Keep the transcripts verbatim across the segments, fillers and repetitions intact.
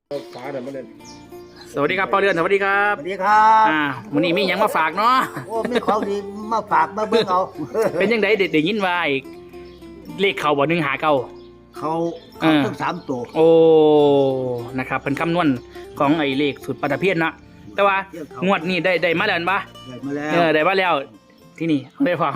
ฟ้าแต่มันเนี่ยสวัสดีครับพ่อเรือนสวัสดีครับสวัสดีครับอ่าวันนี้มีหยังมาฝากเนาะโอ้มีของดีมาฝากมาเบิ่งเอาเป็นยังไงเด็ดได้ยินว่าไอ้เลขเขาบ่หนึ่งหาเก้าเขาเขาทั้งสามตัวโอ้นะครับเป็นคำนวณของไอ้เลขสุดปัตตเพียนนะแต่ว่างวดนี้ได้ได้มาแล้วปะได้มาแล้วเออได้มาแล้วที่นี่ได้ฟัง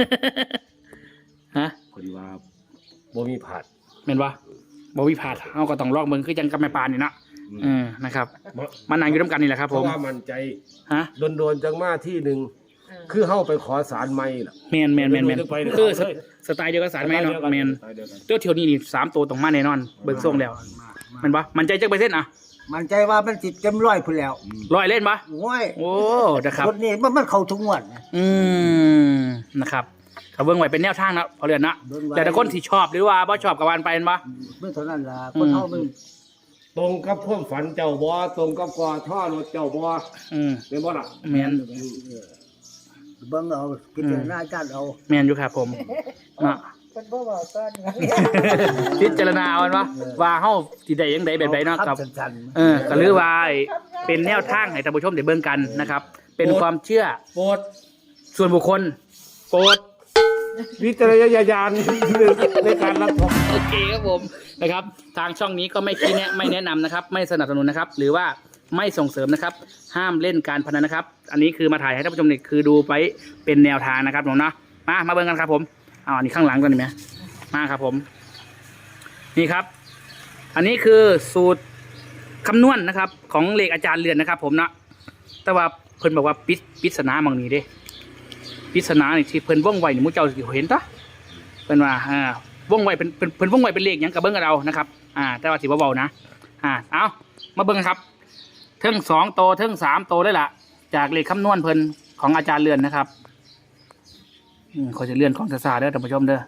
ฮะคนว่าบ่มีผาดเป็นปะบวิพาดเอาก็ต้องลอกเบิ่งคือจังกับแม่ปานนี่นะเออนะครับมันนั่งอยู่ร่วมกันนี่แหละครับเพผมราะว่ามันใจฮะโดนๆจังมาที่หนึ่งคือเข้าไปขอสารไม่ล่ะแมนแมนแมนแมนเดี๋ยวไปเดี๋ยวคือไปเลยสไตล์เดียวกับสารไหมเนาะแมนสไตล์เดียวกันตัวเที่ยวนี้นี่สามตัวตรงมาแน่นอนเบิ่งทรงแล้วแมันปะมันใจจักเปอร์เซ็นต์อ่ะมันใจว่ามันสิเต็มร้อยพุ่นแล้วร้อยเล่นปะโอ้ยโอ้นะครับรถนี้มันมันเข้าทุกงวดนะอืมนะครับเขาเบิ่งไว้เป็นแนวทางนะพอเรือนนะเบิ่งไว้แต่ถ้าคนที่ชอบหรือว่าบ่ชอบกับวันไปแม่นปะเมื่อเท่านั้นล่ะคนเฮามันตรงกับความฝันเจ้าบ่ตรงกับกอท่อรถเจ้าบ่อืมเป็นบ่ล่ะแมนเบิ่งเอาพิจารณาการเอาแมนอยู่ครับผมเนาะคนบ่บอกต้นพิจารณาเอาว่าว่าเฮาสิได้ยังไดแบบใดเนาะกับสั้นเออก็หรือว่าเป็นแนวทางให้ท่านผู้ชมได้เบิ่งกันนะครับ เป็นความเชื่อโปรดส่วนบุคคลโปรดวิจารณญาณในการรับชมโอเคครับผมนะครับ ทางช่องนี้ก็ไม่ชี้แนะไม่แนะนำนะครับ ไม่สนับสนุนนะครับ หรือว่าไม่ส่งเสริมนะครับ ห้ามเล่นการพนันนะครับ อันนี้คือมาถ่ายให้ท่านผู้ชมนี่คือดูไปเป็นแนวทางนะครับผมเนาะมามาเบิ่งกันครับผมเอาอันนี้ข้างหลังก่อนดีไหมมาครับผม นี่ครับ อันนี้คือสูตรคำนวณนะครับ ของเลขอาจารย์เรือนนะครับ ผมเนาะแต่ว่าเพิ่นบอกว่าปิดปิศนาบางนี้เด้ปริศนานี่ที่เพิ่นว่องไวนี่หมู่เจ้าสิเห็นตะเพิ่นว่าอ่าว่องไวเป็นเพิ่นเพิ่นว่องไวเป็นเลขหยังกับเบิ่งกับเรานะครับอ่าแต่ว่าสิบ่เบานะอ่าเอามาเบิ่งครับเทิงสองโตเทิงสามโตได้ล่ะจากเลขคำนวณเพิ่นของอาจารย์เรือนนะครับอืมเขาจะเลื่อนของซาๆเด้อท่านผู้ชมเด้อ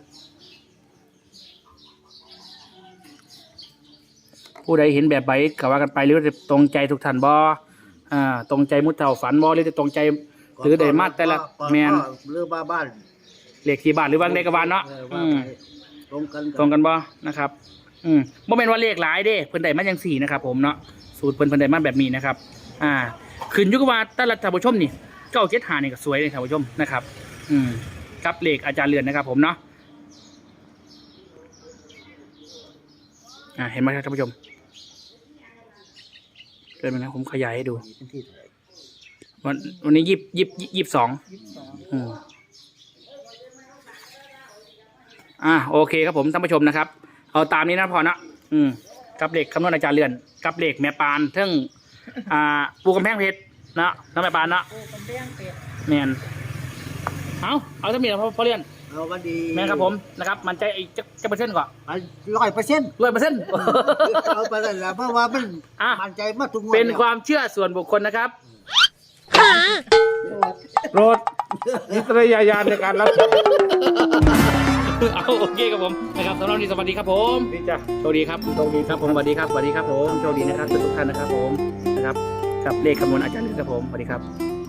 ผู้ใดเห็นแบบใบก็ว่ากันไปหรือจะตรงใจทุกท่านบ่อ่าตรงใจมุดเท่าฝันบ่หรือจะตรงใจหรือได้มาแต่ละแมนเรือบ้าบ้านเลขที่บ้านหรือวางเลขกบบ้านเนาะเอออืว่าม ไปตรงกันตรงกันบ่นะครับ อืมบ่แม่นว่าเลขหลายเด้เพิ่นได้มาจังสี่นะครับผมเนาะสูตรเพิ่นเพิ่นได้มาแบบนี้นะครับ อ่าขึ้นอยู่กับว่าแต่ละท่านผู้ชมนี่เก้าเจ็ดห้านี่ก็สวยเลยท่านผู้ชมนะครับ อืมกับเลขอาจารย์เรือนนะครับ ผมเนาะอ่าเห็นไหมครับท่านผู้ชมเดินมานะผมขยายให้ดู วันวันนี้ยี่สิบยี่สิบยี่สิบสองอืมอ่าโอเคครับผมท่านผู้ชมนะครับ เอาตามนี้นะพอนะอืมกับเหล็กคำนวณอาจารย์เรือนกับเหล็กแม่ปานเทิงอ่าปูกำแพงเพชรนะน้องแม่ปานนะโอ้คนเลี้ยงเป็ดแมนเอาเอาทั้งหมดพอพอเรียนเอาวันดีแมนครับผมนะครับ มันใจไอ้จะจะเปอร์เซ็นต์ก่อนร้อยเปอร์เซ็นต์ร้อยเปอร์เซ็นต์เอาไปเลยละเพราะว่ามันอ่ะมันใจมาทุกงวดเป็นแล้วความเชื่อส่วนบุคคลนะครับโปรดวิจารณญาณในการรับชมเอาโอเคครับผมนะครับสำหรับวันนี้สวัสดีครับผมนี่จ้ะโชคดีครับโชคดีครับผมสวัสดีครับสวัสดีครับผมโชคดีนะครับทุกท่านนะครับผมนะครับกับเลขคำนวณอาจารย์ลึกครับผมสวัสดีครับ